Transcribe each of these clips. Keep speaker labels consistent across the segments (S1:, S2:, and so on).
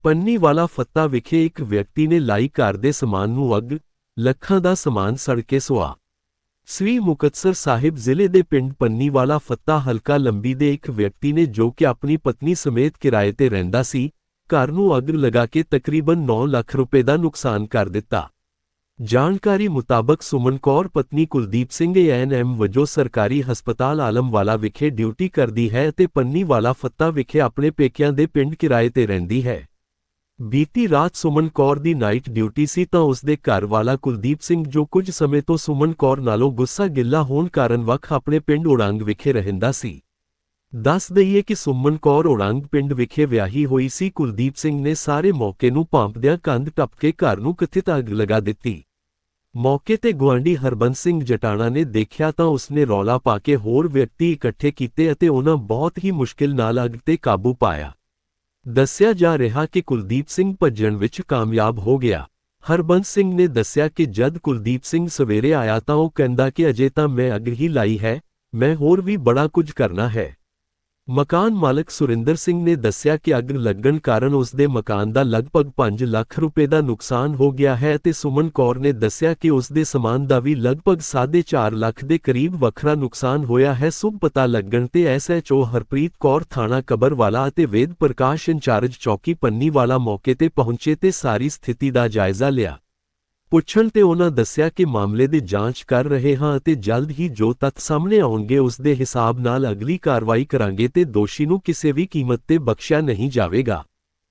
S1: ਪੰਨੀਵਾਲਾ ਫੱਤਾ ਵਿਖੇ ਇੱਕ ਵਿਅਕਤੀ ਨੇ ਲਾਈ ਘਰ ਦੇ ਸਮਾਨ ਨੂੰ ਅੱਗ, ਲੱਖਾਂ ਦਾ ਸਮਾਨ ਸੜ ਕੇ ਸੁਆਹ। ਸ੍ਰੀ ਮੁਕਤਸਰ ਸਾਹਿਬ ਜ਼ਿਲ੍ਹੇ ਦੇ ਪਿੰਡ ਪੰਨੀਵਾਲਾ ਫੱਤਾ ਹਲਕਾ ਲੰਬੀ ਦੇ ਇੱਕ ਵਿਅਕਤੀ ਨੇ ਜੋ ਕਿ ਆਪਣੀ ਪਤਨੀ ਸਮੇਤ ਕਿਰਾਏ ਤੇ ਰਹਿੰਦਾ ਸੀ, ਘਰ ਨੂੰ ਅੱਗ ਲਗਾ ਕੇ ਤਕਰੀਬਨ 9 ਲੱਖ ਰੁਪਏ ਦਾ ਨੁਕਸਾਨ ਕਰ ਦਿੱਤਾ। ਜਾਣਕਾਰੀ ਮੁਤਾਬਕ ਸੁਮਨ ਕੌਰ ਪਤਨੀ ਕੁਲਦੀਪ ਸਿੰਘ ਏ.ਐਨ.ਐਮ ਵਜੋਂ ਸਰਕਾਰੀ ਹਸਪਤਾਲ ਆਲਮਵਾਲਾ ਵਿਖੇ ਡਿਊਟੀ ਕਰਦੀ ਹੈ ਅਤੇ ਪੰਨੀਵਾਲਾ ਫੱਤਾ ਵਿਖੇ ਆਪਣੇ ਪੇਕਿਆਂ ਦੇ ਪਿੰਡ ਕਿਰਾਏ ਤੇ ਰਹਿੰਦੀ ਹੈ। ਬੀਤੀ ਰਾਤ ਸੁਮਨ ਕੌਰ ਦੀ ਨਾਈਟ ਡਿਊਟੀ ਸੀ ਤਾਂ ਉਸ ਦੇ ਘਰ ਵਾਲਾ ਕੁਲਦੀਪ ਸਿੰਘ ਜੋ ਕੁਝ ਸਮੇਂ ਤੋਂ ਸੁਮਨ ਕੌਰ ਨਾਲੋਂ ਗੁੱਸਾ ਗਿੱਲਾ ਹੋਣ ਕਾਰਨ ਵੱਖ ਆਪਣੇ ਪਿੰਡ ਉੜੰਗ ਵਿਖੇ ਰਹਿੰਦਾ ਸੀ। ਦੱਸ ਦਈਏ ਕਿ ਸੁਮਨ ਕੌਰ ਉੜੰਗ ਪਿੰਡ ਵਿਖੇ ਵਿਆਹੀ ਹੋਈ ਸੀ। ਕੁਲਦੀਪ ਸਿੰਘ ਨੇ ਸਾਰੇ ਮੌਕੇ ਨੂੰ ਭਾਂਪਦਿਆਂ ਕੰਧ ਟੱਪ ਕੇ ਘਰ ਨੂੰ ਕਥਿਤ ਅੱਗ ਲਗਾ ਦਿੱਤੀ। ਮੌਕੇ ਤੇ ਗੁਆਂਢੀ ਹਰਬੰਸ ਸਿੰਘ ਜਟਾਣਾ ਨੇ ਦੇਖਿਆ ਤਾਂ ਉਸਨੇ ਰੌਲਾ ਪਾ ਕੇ ਹੋਰ ਵਿਅਕਤੀ ਇਕੱਠੇ ਕੀਤੇ ਅਤੇ ਉਹਨਾਂ ਬਹੁਤ ਹੀ ਮੁਸ਼ਕਿਲ ਨਾਲ ਅੱਗ ਤੇ ਕਾਬੂ ਪਾਇਆ। ਦੱਸਿਆ ਜਾ ਰਿਹਾ ਕਿ ਕੁਲਦੀਪ ਸਿੰਘ ਭੱਜਣ ਵਿੱਚ ਕਾਮਯਾਬ ਹੋ ਗਿਆ। ਹਰਬੰਸ ਸਿੰਘ ਨੇ ਦੱਸਿਆ ਕਿ ਜਦ ਕੁਲਦੀਪ ਸਿੰਘ ਸਵੇਰੇ ਆਇਆ ਤਾਂ ਉਹ ਕਹਿੰਦਾ ਕਿ ਅਜੇ ਤਾਂ ਮੈਂ ਅੱਗ ਹੀ ਲਾਈ ਹੈ, ਮੈਂ ਹੋਰ ਵੀ ਬੜਾ ਕੁਝ ਕਰਨਾ ਹੈ। ਮਕਾਨ ਮਾਲਕ ਸੁਰਿੰਦਰ ਸਿੰਘ ਨੇ ਦੱਸਿਆ ਕਿ ਅੱਗ ਲੱਗਣ ਕਾਰਨ ਉਸ ਦੇ ਮਕਾਨ ਦਾ ਲਗਭਗ 5 ਲੱਖ ਰੁਪਏ ਦਾ ਨੁਕਸਾਨ ਹੋ ਗਿਆ ਹੈ ਅਤੇ ਸੁਮਨ ਕੌਰ ਨੇ ਦੱਸਿਆ ਕਿ ਉਸ ਦੇ ਸਮਾਨ ਦਾ ਵੀ ਲਗਭਗ 4.5 ਲੱਖ ਦੇ ਕਰੀਬ ਵੱਖਰਾ ਨੁਕਸਾਨ ਹੋਇਆ ਹੈ। ਸੁਭ ਪਤਾ ਲੱਗਣ ਤੇ ਐਸਐਚਓ ਹਰਪ੍ਰੀਤ ਕੌਰ ਥਾਣਾ ਕਬਰਵਾਲਾ ਅਤੇ ਵੇਦ ਪ੍ਰਕਾਸ਼ ਇੰਚਾਰਜ ਚੌਕੀ ਪੰਨੀਵਾਲਾ ਮੌਕੇ ਤੇ ਪਹੁੰਚੇ ਤੇ ਸਾਰੀ ਸਥਿਤੀ ਦਾ ਜਾਇਜ਼ਾ ਲਿਆ। ਪੁੱਛਣ ਤੇ ਉਹਨਾਂ ਦੱਸਿਆ ਕਿ ਮਾਮਲੇ ਦੀ ਜਾਂਚ ਕਰ ਰਹੇ ਹਾਂ ਅਤੇ ਜਲਦ ਹੀ ਜੋ ਤੱਥ ਸਾਹਮਣੇ ਆਉਣਗੇ ਉਸ ਦੇ ਹਿਸਾਬ ਨਾਲ ਅਗਲੀ ਕਾਰਵਾਈ ਕਰਾਂਗੇ ਤੇ ਦੋਸ਼ੀ ਨੂੰ ਕਿਸੇ ਵੀ ਕੀਮਤ ਤੇ ਬਖਸ਼ਿਆ ਨਹੀਂ ਜਾਵੇਗਾ।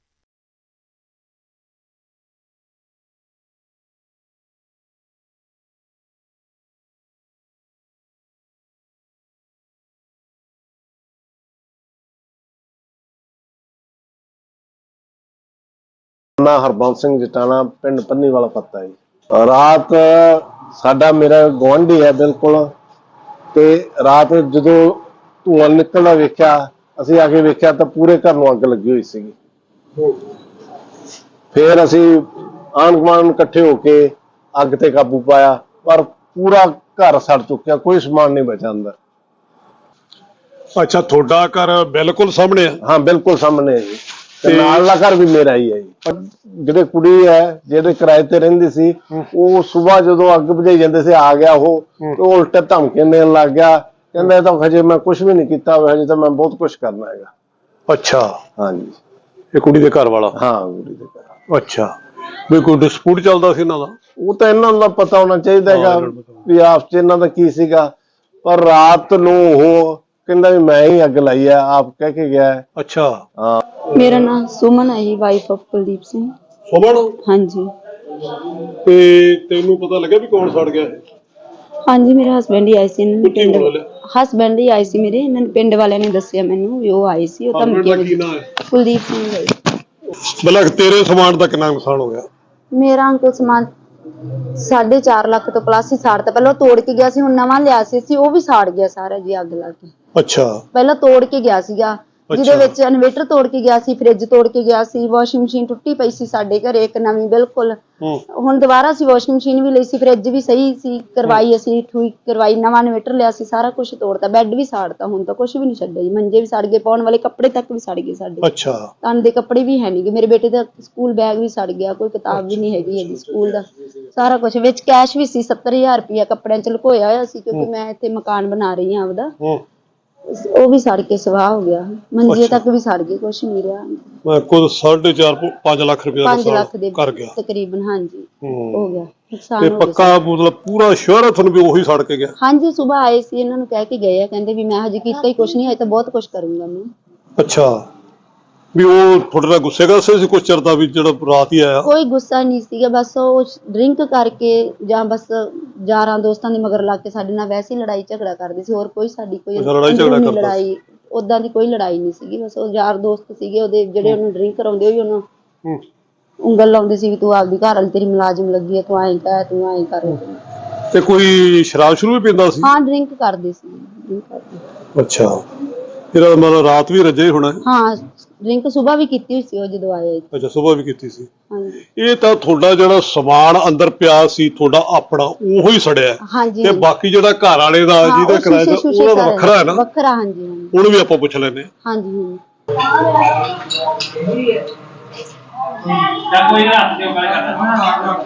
S2: ਮੈਂ ਹਰਬੰਸ ਸਿੰਘ ਜਟਾਣਾ ਪਿੰਡ ਪੰਨੀਵਾਲਾ ਫੱਤਾ ਜੀ। ਰਾਤ ਸਾਡਾ ਮੇਰਾ ਗੁਆਂਢੀ ਹੈ ਬਿਲਕੁਲ, ਤੇ ਰਾਤ ਜਦੋਂ ਧੂੰਆਂ ਨਿਕਲਦਾ ਵੇਖਿਆ, ਅਸੀਂ ਆ ਕੇ ਵੇਖਿਆ ਤਾਂ ਪੂਰੇ ਘਰ ਨੂੰ ਅੱਗ ਲੱਗੀ ਹੋਈ ਸੀਗੀ। ਫਿਰ ਅਸੀਂ ਆਂਢ ਗੁਆਂਢ ਇਕੱਠੇ ਹੋ ਕੇ ਅੱਗ ਤੇ ਕਾਬੂ ਪਾਇਆ, ਪਰ ਪੂਰਾ ਘਰ ਸੜ ਚੁੱਕਿਆ, ਕੋਈ ਸਮਾਨ ਨਹੀਂ ਬਚਿਆ ਅੰਦਰ।
S3: ਅੱਛਾ, ਤੁਹਾਡਾ ਘਰ ਬਿਲਕੁਲ ਸਾਹਮਣੇ ਹੈ?
S2: ਹਾਂ, ਬਿਲਕੁਲ ਸਾਹਮਣੇ ਹੈ ਜੀ। ਤੇ ਨਾਲ ਦਾ ਘਰ ਵੀ ਮੇਰਾ ਹੀ ਹੈ ਜੀ। ਜਿਹੜੇ ਕੁੜੀ ਹੈ ਜਿਹੜੇ ਕਿਰਾਏ ਤੇ ਰਹਿੰਦੀ ਸੀ, ਉਹ ਸਵੇਰ ਜਦੋਂ ਅੱਗ ਬੁਝਾਈ ਜਾਂਦੇ ਸੀ ਆ ਗਿਆ ਉਹ ਉਲਟੇ ਧਮਕੀਆਂ ਦੇਣ ਲੱਗ ਗਿਆ। ਕਹਿੰਦਾ ਇਹ ਤਾਂ ਹਜੇ ਮੈਂ ਕੁਝ ਵੀ ਨਹੀਂ ਕੀਤਾ, ਹਜੇ ਤਾਂ ਮੈਂ ਬਹੁਤ ਕੁਝ ਕਰਨਾ ਹੈਗਾ।
S3: ਅੱਛਾ,
S2: ਹਾਂਜੀ।
S3: ਇਹ ਕੁੜੀ ਦੇ ਘਰ ਵਾਲਾ?
S2: ਹਾਂ, ਕੁੜੀ ਦੇ ਘਰ।
S3: ਅੱਛਾ, ਵੀ ਕੋਈ ਡਿਸਪਿਊਟ ਚੱਲਦਾ ਸੀ ਇਹਨਾਂ ਦਾ?
S2: ਉਹ ਤਾਂ ਇਹਨਾਂ ਨੂੰ ਪਤਾ ਹੋਣਾ ਚਾਹੀਦਾ ਹੈਗਾ ਵੀ ਆਪਸ ਚ ਇਹਨਾਂ ਦਾ ਕੀ ਸੀਗਾ, ਪਰ ਰਾਤ ਨੂੰ ਉਹ ਕਹਿੰਦਾ ਵੀ ਮੈਂ ਹੀ ਅੱਗ ਲਾਈ ਹੈ, ਆਪ ਕਹਿ ਕੇ ਗਿਆ।
S3: ਅੱਛਾ।
S2: ਹਾਂ,
S4: मेरा नाम सुमन है जी, वाइफ ऑफ कुलदीप सिंह।
S3: ਸੁਮਨ?
S4: हाँ जी।
S3: ਤੇ ਤੈਨੂੰ ਪਤਾ ਲੱਗਿਆ ਵੀ ਕੌਣ ਸੜ ਗਿਆ?
S4: हाँ जी, मेरे हस्बैंड ही आए सी,
S3: ਪਿੰਡ ਵਾਲੇ?
S4: हस्बैंड ही आए सी मेरे, इन्होंने पिंड वाले ने दसिया मैनू भी वो आए सी। कुलदीप सिंह है।
S3: मतलब तेरे समान का कितना नुकसान हो गया?
S4: मेरा अंकल समान 4.5 ਲੱਖ ਤੋਂ ਪਲੱਸ ਹੀ ਸਾੜਤਾ। ਪਹਿਲਾਂ ਤੋੜ ਕੇ ਗਿਆ ਸੀ, ਹੁਣ ਨਵਾਂ ਲਿਆ ਸੀ ਉਹ ਵੀ ਸਾੜ ਗਿਆ ਸਾਰਾ ਜੀ ਅੱਗ ਲਾ ਕੇ।
S3: ਅੱਛਾ।
S4: ਪਹਿਲਾਂ ਤੋੜ ਕੇ ਗਿਆ ਸੀਗਾ, ਜਿਹਦੇ ਵਿੱਚ ਇਨਵੇਟਰ ਤੋੜ ਕੇ ਗਿਆ ਸੀ, ਫ੍ਰਿਜ ਤੋੜ ਕੇ ਗਿਆ ਸੀ, ਵਾਸ਼ਿੰਗ ਮਸ਼ੀਨ ਟੁੱਟੀ ਪਈ ਸੀ ਸਾਡੇ ਘਰੇ ਇੱਕ ਨਵੀਂ ਬਿਲਕੁਲ। ਹੁਣ ਦੁਬਾਰਾ ਅਸੀਂ ਵਾਸ਼ਿੰਗ ਮਸ਼ੀਨ ਵੀ ਲਈ ਸੀ, ਫ੍ਰਿਜ ਵੀ ਸਹੀ ਸੀ, ਕਰਵਾਈ ਅਸੀਂ ਠੀਕ ਕਰਵਾਈ, ਨਵਾਂ ਇਨਵੇਟਰ ਲਿਆ ਸੀ, ਸਾਰਾ ਕੁਝ ਤੋੜਤਾ, ਬੈੱਡ ਵੀ ਸਾੜਤਾ, ਹੁਣ ਤਾਂ ਕੁਝ ਵੀ ਨਹੀਂ ਛੱਡਿਆ ਜੀ। ਮੰਜੇ ਵੀ ਸੜ ਗਏ, ਪਾਉਣ ਵਾਲੇ ਕੱਪੜੇ ਤੱਕ ਵੀ ਸੜ ਗਏ ਸਾਡੇ।
S3: ਅੱਛਾ।
S4: ਤਨ ਦੇ ਕੱਪੜੇ ਵੀ ਹੈ ਨਹੀਂਗੇ, ਮੇਰੇ ਬੇਟੇ ਦਾ ਸਕੂਲ ਬੈਗ ਵੀ ਸੜ ਗਿਆ, ਕੋਈ ਕਿਤਾਬ ਵੀ ਨਹੀਂ ਹੈਗੀ ਜੀ ਸਕੂਲ ਦਾ, ਸਾਰਾ ਕੁਝ। ਵਿੱਚ ਕੈਸ਼ ਵੀ ਸੀ 70,000 ਰੁਪਇਆ ਕੱਪੜਿਆਂ ਚ ਲੁਕੋਇਆ ਹੋਇਆ ਸੀ, ਕਿਉਂਕਿ ਮੈਂ ਇੱਥੇ ਮਕਾਨ ਬਣਾ ਰਹੀ ਹਾਂ ਆਪਦਾ। ਉਹ ਵੀ ਸੜ ਕੇ ਸਵਾਹ ਹੋ ਗਿਆ, ਮੰਜੇ ਤੱਕ ਵੀ ਸੜ ਗਏ, ਕੁਛ ਨਹੀਂ ਰਿਹਾ।
S3: ਮੈਂ ਕੁਝ 4.5 5 ਲੱਖ ਰੁਪਏ ਦਾ
S4: 5 ਲੱਖ ਦੇ
S3: ਕਰ ਗਿਆ
S4: ਤਕਰੀਬਨ। ਹਾਂਜੀ, ਹੋ ਗਿਆ ਨੁਕਸਾਨ।
S3: ਤੇ ਪੱਕਾ ਮਤਲਬ ਪੂਰਾ ਸ਼ੋਰ ਹੈ ਤੁਹਾਨੂੰ ਵੀ ਉਹੀ ਸੜ ਕੇ ਗਿਆ? ਹਾਂਜੀ,
S4: ਸਵੇਰ ਆਏ ਸੀ, ਇਹਨਾਂ ਨੂੰ ਕਹਿ ਕੇ ਗਏ ਆ, ਕਹਿੰਦੇ ਵੀ ਮੈਂ ਹਜੇ ਕੀਤਾ ਹੀ ਕੁਛ ਨਹੀਂ, ਹਜੇ ਤਾਂ ਬਹੁਤ ਕੁਛ ਕਰੂੰਗਾ ਮੈਂ।
S3: ਅੱਛਾ, ਵੀ ਉਹ ਤੁਹਾਡੇ ਨਾਲ ਗੁੱਸੇ ਕਰਦੇ ਸੀ ਕੁਛ ਚਿਰ ਦਾ ਵੀ ਜਿਹੜਾ ਰਾਤ ਹੀ ਆਇਆ?
S4: ਕੋਈ ਗੁੱਸਾ ਨਹੀਂ ਸੀਗਾ, ਬਸ ਉਹ ਡਰਿੰਕ ਕਰਕੇ ਜਾਂ ਬਸ ਯਾਰਾਂ ਦੋਸਤਾਂ ਦੇ ਮਗਰ ਲੱਗ ਕੇ ਸਾਡੇ ਨਾਲ ਵੈਸੇ ਹੀ ਲੜਾਈ ਝਗੜਾ ਕਰਦੇ ਸੀ। ਹੋਰ ਕੋਈ ਸਾਡੀ ਕੋਈ ਲੜਾਈ ਉਦਾਂ ਦੀ ਕੋਈ ਲੜਾਈ ਨਹੀਂ ਸੀਗੀ, ਬਸ ਉਹ ਯਾਰ ਦੋਸਤ ਸੀਗੇ ਉਹਦੇ ਜਿਹੜੇ ਉਹਨੂੰ ਡਰਿੰਕ ਕਰਾਉਂਦੇ ਹੋਈ ਉਹਨੂੰ ਉਂਗਲ ਲਾਉਂਦੇ ਸੀ ਵੀ ਤੂੰ ਆਪਦੀ ਘਰ ਵਾਲੀ ਤੇਰੀ ਮੁਲਾਜ਼ਮ ਲੱਗੀ ਹੈ, ਤੂੰ ਐਂ ਕਹਿ, ਤੂੰ ਐਂ ਕਰ।
S3: ਤੇ ਕੋਈ ਸ਼ਰਾਬ ਸ਼ੁਰੂ ਵੀ ਪੀਂਦਾ ਸੀ?
S4: ਹਾਂ, ਡਰਿੰਕ ਕਰਦੇ ਸੀ।
S3: ਅੱਛਾ, ਇਹਦਾ ਮਤਲਬ ਰਾਤ ਵੀ ਰੱਜੇ ਹੋਣਾ?
S4: ਹਾਂ, ਡਰਿੰਕ ਸਵੇਰ ਵੀ ਕੀਤੀ ਹੋਈ ਸੀ ਉਹ ਜਦੋਂ ਆਏ।
S3: ਅੱਛਾ, ਸਵੇਰ ਵੀ ਕੀਤੀ ਸੀ।
S4: ਹਾਂਜੀ।
S3: ਇਹ ਤਾਂ ਤੁਹਾਡਾ ਜਿਹੜਾ ਸਮਾਨ ਅੰਦਰ ਪਿਆ ਸੀ ਤੁਹਾਡਾ ਆਪਣਾ, ਉਹੀ ਸੜਿਆ?
S4: ਹਾਂਜੀ।
S3: ਤੇ ਬਾਕੀ ਜਿਹੜਾ ਘਰ ਵਾਲੇ ਦਾ ਜਿਹਦਾ ਕਿਰਾਇਆ ਦਾ ਉਹਦਾ ਤਾਂ ਵੱਖਰਾ ਹੈ ਨਾ?
S4: ਵੱਖਰਾ। ਹਾਂਜੀ,
S3: ਉਹਨੂੰ ਵੀ ਆਪਾਂ ਪੁੱਛ ਲੈਂਦੇ ਹਾਂ।
S4: ਹਾਂਜੀ।
S5: ਕੋਈ ਨਾ ਹੱਥ ਦੇ ਗੱਲ ਕਰਦਾ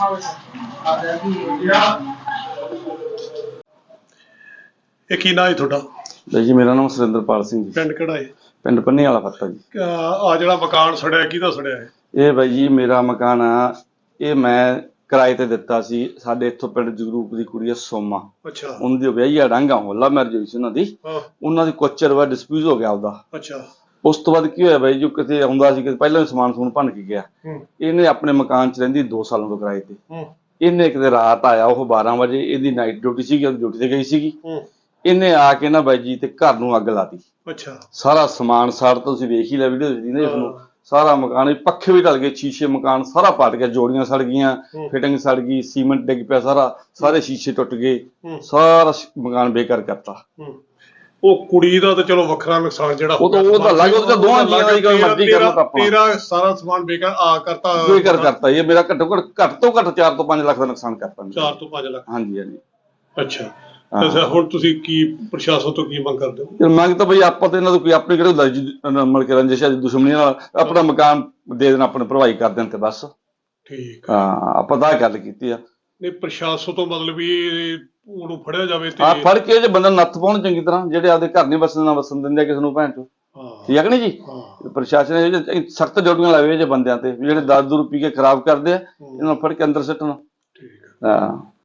S3: ਇਹ ਕੀ ਨਾਂ ਹੈ ਤੁਹਾਡਾ?
S6: ਜੀ ਮੇਰਾ ਨਾਮ ਸੁਰਿੰਦਰਪਾਲ ਸਿੰਘ ਜੀ,
S3: ਪਿੰਡ ਕਿਹੜਾ ਹੈ?
S6: ਪਿੰਡ ਪੰਨੀ ਵਾਲਾ ਫੱਤਾ ਜੀ।
S3: ਆ ਜਿਹੜਾ ਮਕਾਨ ਸੜਿਆ ਕਿਹਦਾ ਸੜਿਆ ਹੈ?
S6: ਇਹ ਬਾਈ ਜੀ ਮੇਰਾ ਮਕਾਨ ਆ, ਇਹ ਮੈਂ ਕਿਰਾਏ ਤੇ ਦਿੱਤਾ ਸੀ। ਸਾਡੇ ਇੱਥੋਂ ਪਿੰਡ ਜਗਰੂਪ ਦੀ ਕੁੜੀ ਆ ਸੋਮਾ,
S3: ਅੱਛਾ
S6: ਉਹਨਾਂ ਦੀ ਵਿਆਹੀ ਆ ਡਾਂਗਾ ਹੋਲਾ ਮੈਰਿਜ ਹੋਈ ਸੀ ਉਹਨਾਂ ਦੀ।
S3: ਹਾਂ
S6: ਉਹਨਾਂ ਦੀ ਕੁਛ ਚਿਰ ਬਾਅਦ ਡਿਸਪਿਊਟ ਹੋ ਗਿਆ ਉਹਦਾ।
S3: ਅੱਛਾ
S6: ਉਸ ਤੋਂ ਬਾਅਦ ਕੀ ਹੋਇਆ ਬਾਈ, ਜੋ ਕਿਤੇ ਆਉਂਦਾ ਸੀ ਕਿ ਪਹਿਲਾਂ ਵੀ ਸਮਾਨ ਸਮੂਨ ਭੰਨ ਕੇ ਗਿਆ।
S3: ਹੂੰ
S6: ਇਹਨੇ ਆਪਣੇ ਮਕਾਨ 'ਚ ਰਹਿੰਦੀ 2 ਸਾਲਾਂ ਤੋਂ ਕਿਰਾਏ ਤੇ।
S3: ਹੂੰ
S6: ਇਹਨੇ ਕਿਤੇ ਰਾਤ ਆਇਆ, ਉਹ 12 ਵਜੇ, ਇਹਦੀ ਨਾਈਟ ਡਿਊਟੀ ਸੀਗੀ, ਉਹ ਡਿਊਟੀ ਤੇ ਗਈ ਸੀਗੀ।
S3: ਹੂੰ
S6: ਇਹਨੇ ਆ ਕੇ ਨਾ ਬਾਈ ਜੀ ਤੇ ਘਰ ਨੂੰ ਅੱਗ ਲਾਤੀ।
S3: ਅੱਛਾ
S6: ਸਾਰਾ ਸਮਾਨ ਸਾੜ, ਤੁਸੀਂ ਵੇਖ ਹੀ ਲਿਆ ਵੀਡੀਓ ਜੀ ਨੇ ਇਸਨੂੰ। ਸਾਰਾ ਮਕਾਨ, ਪੱਖੇ ਵੀ ਢਲ ਗਏ, ਸ਼ੀਸ਼ੇ ਮਕਾਨ ਸਾਰਾ ਪੱਟ ਗਿਆ, ਜੋੜੀਆਂ ਸੜ ਗਈਆਂ, ਫਿਟਿੰਗ ਸੜ ਗਈ, ਸੀਮੈਂਟ ਡਿੱਗ ਪਿਆ ਸਾਰਾ, ਸਾਰੇ ਸ਼ੀਸ਼ੇ ਟੁੱਟ ਗਏ, ਸਾਰਾ ਮਕਾਨ ਬੇਕਾਰ ਕਰਤਾ।
S3: ਉਹ ਕੁੜੀ ਦਾ ਤਾਂ ਚਲੋ ਵੱਖਰਾ ਨੁਕਸਾਨ ਜਿਹੜਾ
S6: ਉਹ ਤਾਂ ਲੱਗ, ਉਹ ਤਾਂ ਦੋਵਾਂ ਜੀਆਂ ਦੀ ਗੱਲ ਮਰਜ਼ੀ ਕਰਨਾ ਤਾਂ ਆਪਣਾ।
S3: ਤੇਰਾ ਸਾਰਾ ਸਮਾਨ ਬੇਕਾਰ ਕਰਤਾ।
S6: ਬੇਕਾਰ ਕਰਤਾ ਇਹ ਮੇਰਾ, ਘੱਟੋ ਘੱਟ ਤੋਂ ਘੱਟ 4 ਤੋਂ 5 ਲੱਖ ਦਾ ਨੁਕਸਾਨ ਕਰਤਾ।
S3: 4 ਤੋਂ 5 ਲੱਖ।
S6: ਹਾਂਜੀ ਹਾਂਜੀ।
S3: ਅੱਛਾ ਅੱਛਾ, ਹੁਣ ਤੁਸੀਂ ਕੀ ਪ੍ਰਸ਼ਾਸਨ ਤੋਂ ਕੀ ਮੰਗ ਕਰਦੇ ਹੋ?
S6: ਤੇ ਮੰਗ ਤਾਂ ਬਈ ਆਪਾਂ ਤੇ ਇਹਨਾਂ ਤੋਂ ਕੋਈ ਆਪਣੀ ਕਿਹੜੇ ਮਤਲਬ ਕਿ ਰੰਜਿਸ਼ ਹੈ, ਦੁਸ਼ਮਣੀ ਨਾਲ ਆਪਣਾ ਮਕਾਨ ਦੇ ਦੇਣ, ਆਪਣੇ ਭਰਵਾਈ ਕਰ ਦੇਣ ਤੇ ਬਸ।
S3: ਠੀਕ
S6: ਹਾਂ, ਆਪਾਂ ਤਾਂ ਇਹ ਗੱਲ ਕੀਤੀ ਆ।
S3: ਨਹੀਂ ਪ੍ਰਸ਼ਾਸਨ ਤੋਂ ਮਤਲਬ ਵੀ ਉਹਨੂੰ ਫੜਿਆ ਜਾਵੇ ਤੇ
S6: ਆ ਫੜ ਕੇ ਜੇ ਬੰਦਾ ਨੱਥ ਪਾਉਣ ਚੰਗੀ ਤਰ੍ਹਾਂ, ਜਿਹੜੇ ਆਪਦੇ ਘਰ ਨਹੀਂ ਵਸਣ ਨਾ ਵਸਣ ਦਿੰਦੇ ਕਿਸੇ ਨੂੰ ਭੈਣ ਚੋ। ਠੀਕ ਹੈ ਨੀ ਜੀ? ਪ੍ਰਸ਼ਾਸਨ ਨੇ ਸਖਤ ਡਿਊਟੀਆਂ ਲਾਵੇ ਜੇ ਬੰਦਿਆਂ ਤੇ, ਜਿਹੜੇ ਦਾਰੂ ਦੂਰੂ ਪੀ ਕੇ ਖਰਾਬ ਕਰਦੇ ਆ, ਇਹਨਾਂ ਨੂੰ ਫੜ ਕੇ ਅੰਦਰ ਸਿੱਟਣਾ।
S3: ਠੀਕ ਹੈ।
S6: ਹਾਂ।